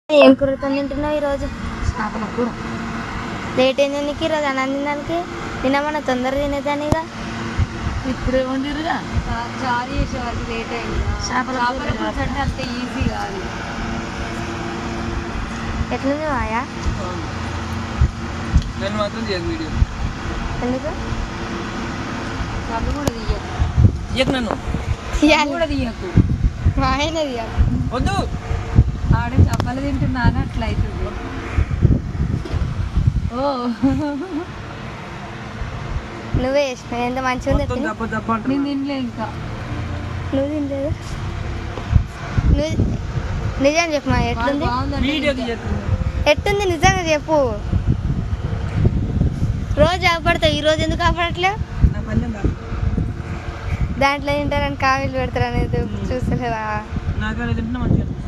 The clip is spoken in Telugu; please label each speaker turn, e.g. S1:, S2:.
S1: ఏం కూరతో తింటున్నావు ఈరోజు?
S2: చేపల కూర.
S1: లేట్ అయింది నీకు ఈరోజు అన్నం తినడానికి? తినమన్నా తొందరగా తినేదానిగా.
S2: ఇప్పుడే వండిరుగా.
S3: చారు చేసే వరకు లేట్ అయింది.
S2: చేపల
S3: పులుసు అంటే అంత ఈజీ కాదు.
S1: ఎట్లుంది మాయా?
S4: నేను మాత్రం చేయకు వీడియో.
S1: ఎందుకు?
S3: కళ్ళు కూడా తీయకు.
S4: తీయకు నన్ను.
S1: తీయాలి
S3: కూడా తీయకు.
S1: మాయనే తీయాలి.
S4: వద్దు.
S3: ఆడ చేపలు తింటున్నాను అట్లా అవుతుంది. ఓ
S1: నువ్వే చేసినావు. ఎంత మంచిగా ఉంది
S4: మొత్తం
S1: తిని.
S4: దప్ప దప్ప అంటున్నా.
S3: నేను తినలే ఇంకా.
S1: నువ్వు తినలేదు. నువ్వు నిజం చెప్పు మా ఎట్లుంది?
S4: వీడియో తీయకు.
S1: ఎట్టుంది నిజంగా చెప్పు. రోజు ఆపడతావు, ఈ రోజు ఎందుకు ఆపడట్లేవు?
S4: నా పల్లెం దాకా.
S1: దాంట్లో తింటారని కామెంట్లు పెడతారు అనేది చూస్తలేవా?
S4: నాకనే తింటున్నా మంచిగా.